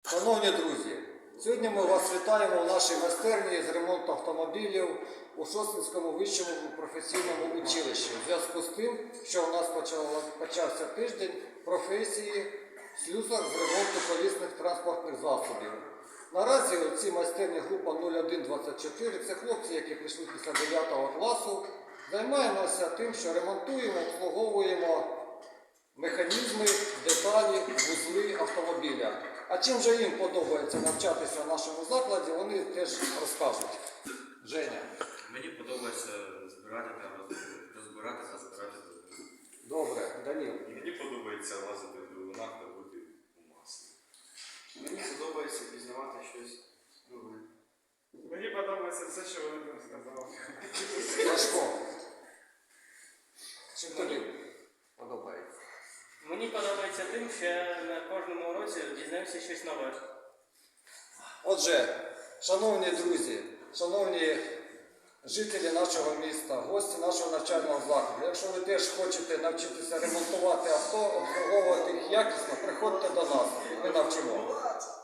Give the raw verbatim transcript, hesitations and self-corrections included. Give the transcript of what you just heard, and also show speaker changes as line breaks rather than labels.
Шановні друзі, сьогодні ми вас вітаємо в нашій майстерні з ремонту автомобілів у Шосткинському вищому професійному училищі. У зв'язку з тим, що у нас почався тиждень професії слюсар з ремонту колісних транспортних засобів. Наразі у цій майстерні група нуль один двадцять чотири, це хлопці, які прийшли після дев'ятого класу, займаємося тим, що ремонтуємо, обслуговуємо механізми, деталі, вузли автомобіля. А чим же їм подобається навчатися в нашому закладі, вони теж розкажуть. Женя.
Мені подобається збирати та розбирати та збирати двигуни.
Добре, Даніл.
Мені подобається лазити в двигунах та бути у маслі.
Мені подобається пізнавати щось нове.
Мені подобається все, що вони там сказали.
Сашко. Чим тобі подобається?
Мені подобається тим, що я на кожному уроці дізнаюся щось нове.
Отже, шановні друзі, шановні жителі нашого міста, гості нашого навчального закладу, якщо ви теж хочете навчитися ремонтувати авто, обслуговувати їх якісно, приходьте до нас, ми навчимо.